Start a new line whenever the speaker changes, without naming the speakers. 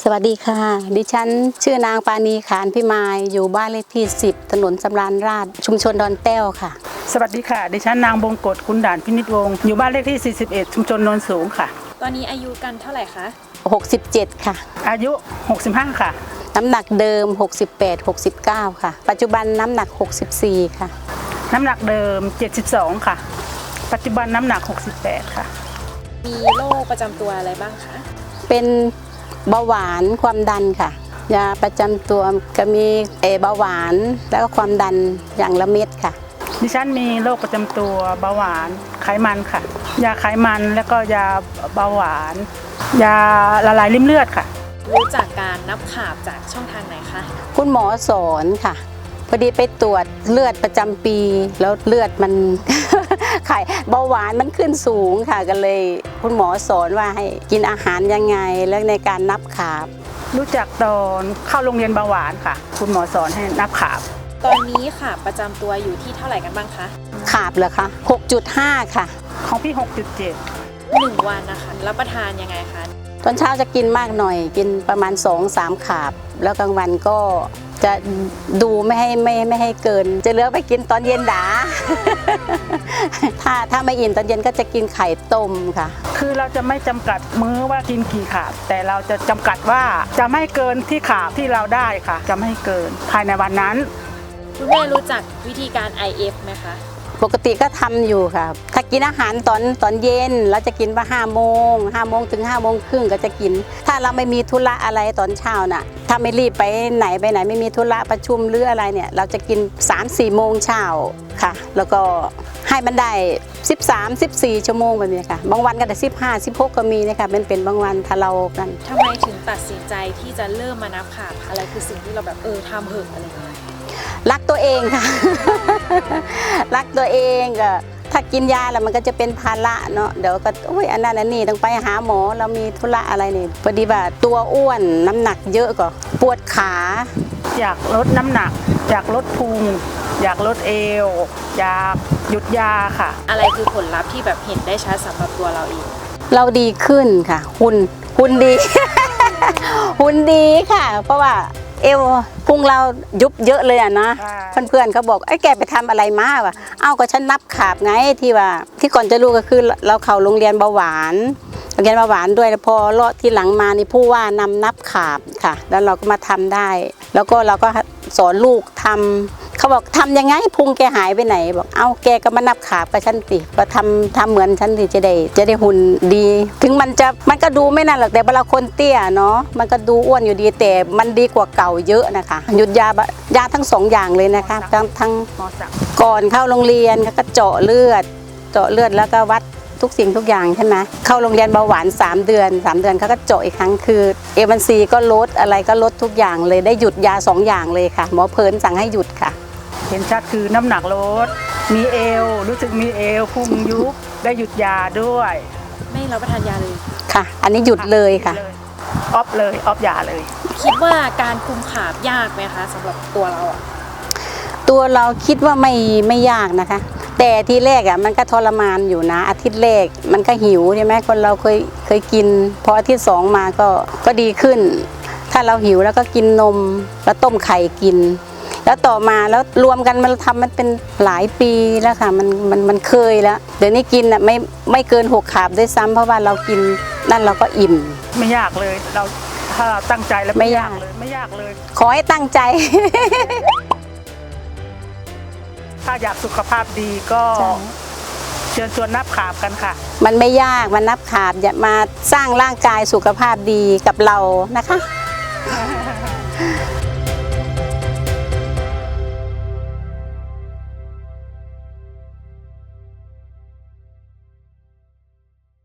สวัสดีค่ะดิฉันชื่อนางปานีขานพิมายอยู่บ้านเลขที่10ถนนสำราญราษฎร์ชุมชนดอนแต้วค่ะ
สวัสดีค่ะดิฉันนางบงกฎคุณด่านพินิจวงศ์อยู่บ้านเลขที่41ชุมชนโนนสูงค่ะ
ตอนนี้อายุกันเท่าไหร่คะ
67ค่ะ
อายุ65ค่ะ
น้ำหนักเดิม68-69ค่ะปัจจุบันน้ำหนัก64ค่ะ
น้ำหนักเดิม72ค่ะปัจจุบันน้ำหนัก68ค่ะ
มีโรคประจำตัวอะไรบ้างคะ
เป็นเบาหวานความดันค่ะยาประจำตัวก็มีเบาหวานแล้วก็ความดันอย่างละเม็ดค่ะ
ดิฉันมีโรคประจำตัวเบาหวานไขมันค่ะยาไขมันแล้วก็ยาเบาหวานยาละลายริ่มเลือดค่ะ
รู้จักการนับขาบจากช่องทางไหนคะ
คุณหมอสอนค่ะพอดีไปตรวจเลือดประจำปีแล้วเลือดมัน ไข่เบาหวานมันขึ้นสูงค่ะก็เลยคุณหมอสอนว่าให้กินอาหารยังไงแล้วในการนับขาบ
รู้จักตอนเข้าโรงเรียนเบาหวานค่ะคุณหมอสอนให้นับขาบ
ตอนนี้ขาบประจำตัวอยู่ที่เท่าไหร่กันบ้างคะ
ขาบเหรอคะ 6.5 ค่ะ
ของพี่ 6.7
1 วันนะคะรับประทานยังไงคะ
ตอนเช้าจะกินมากหน่อยกินประมาณ 2-3 ขาบแล้วกลางวันก็จะดูไม่ให้เกินจะเหลือไปกินตอนเย็นด่า ถ้าไม่อิ่มตอนเย็นก็จะกินไข่ต้มค่ะ
คือเราจะไม่จำกัดมื้อว่ากินกี่ขาบแต่เราจะจำกัดว่าจะไม่เกินที่ขาบที่เราได้ค่ะจะไม่เกินภายในวันนั้น
คุณแม่รู้จักวิธีการ IF ไหมคะ
ปกติก็ทำอยู่ค่ะถ้ากินอาหารตอนเย็นเราจะกินว่า5 โมงถึง5 โมงครึ่งก็จะกินถ้าเราไม่มีธุระอะไรตอนเช้าน่ะถ้าไม่รีบไปไหนไม่มีธุระประชุมหรืออะไรเนี่ยเราจะกิน 3-4 โมงเช้าค่ะแล้วก็ให้มันได้13-14 ชั่วโมงแบบนี้ค่ะบางวันก็ได้15-16ก็มีนะคะเป็นบางวันถ้าเรากัน
ทำไมถึงตัดสินใจที่จะเริ่มมานับขาบอะไรคือสิ่งที่เราแบบทำเหอะอะไรอย่างเงี้ย
รักตัวเองค่ะ รักตัวเองก็ถ้ากินยาแล้วมันก็จะเป็นภาระเนาะเดี๋ยวก็โอ้ยอันนั้นอันนี้ต้องไปหาหมอเรามีธุระอะไรนี่พอดีว่าตัวอ้วนน้ำหนักเยอะก็ปวดขา
อยากลดน้ำหนักอยากลดพุงอยากลดเอวอยากหยุดยาค่ะ
อะไรคือผลลัพธ์ที่แบบเห็นได้ชัดสำหรับตัวเราเอง
เราดีขึ้นค่ะหุ่นดี หุ่นดีค่ะเพราะว่าเอวพุงเรายุบเยอะเลยอ่ะนะเพื่อนๆเขาบอกไอ้แกไปทำอะไรมาวะเอ้าก็ฉันนับขาบไงที่ก่อนจะรู้ก็คือเราเข้าโรงเรียนเบาหวานด้วยแล้วพอเลาะที่หลังมานี่ผู้ว่านำนับขาบค่ะแล้วเราก็มาทำได้แล้วก็เราก็สอนลูกทำเขาบอกทำยังไงพุงแกหายไปไหนบอกเอ้าแกก็มานับขาบกับฉันสิก็ทำเหมือนฉันสิจะได้หุ่นดีถึงมันก็ดูไม่น่าหรอกแต่เวลาคนเตี้ยเนาะมันก็ดูอ้วนอยู่ดีแต่มันดีกว่าเก่าเยอะนะคะหยุดยาทั้ง2 อย่างเลยนะคะทั้งก่อนเข้าโรงเรียนก็เจาะเลือดแล้วก็วัดทุกสิ่งทุกอย่างใช่ไหมเข้าโรงเรียนเบาหวาน3 เดือนเขาก็เจาะอีกครั้งคือA1Cก็ลดอะไรก็ลดทุกอย่างเลยได้หยุดยา2 อย่างเลยค่ะหมอเพลินสั่งให้หยุดค่ะ
เห็นชัดคือน้ำหนักลดมีเอวรู้สึกมีเอวพุงยุบได้หยุดยาด้วย
ไม่รับประทานยาเลย
ค่ะอันนี้หยุดเลยค่ะ
ออฟยาเลย
คิดว่าการคุมขาบยากไหมคะสำหรับตัวเรา
ตัวเราคิดว่าไม่ยากนะคะแต่ทีแรกมันก็ทรมานอยู่นะอาทิตย์แรกมันก็หิวใช่ไหมคนเราเคยกินพออาทิตย์2มาก็ดีขึ้นถ้าเราหิวแล้วก็กินนมแล้วต้มไข่กินแล้วต่อมาแล้วรวมกันมันเป็นหลายปีแล้วค่ะมันเคยแล้วเดี๋ยวนี้กินไม่เกิน6 ขาบด้วยซ้ำเพราะว่าเรากินนั่นเราก็อิ่ม
ไม่ยากเลยเราถ้าตั้งใจแล้วไม่ยากเลย
ขอให้ตั้งใจ
ถ้าอยากสุขภาพดีก็เชิญชวนนับขาบกันค่ะ
มันไม่ยากมันนับขาบอย่ามาสร้างร่างกายสุขภาพดีกับเรานะคะ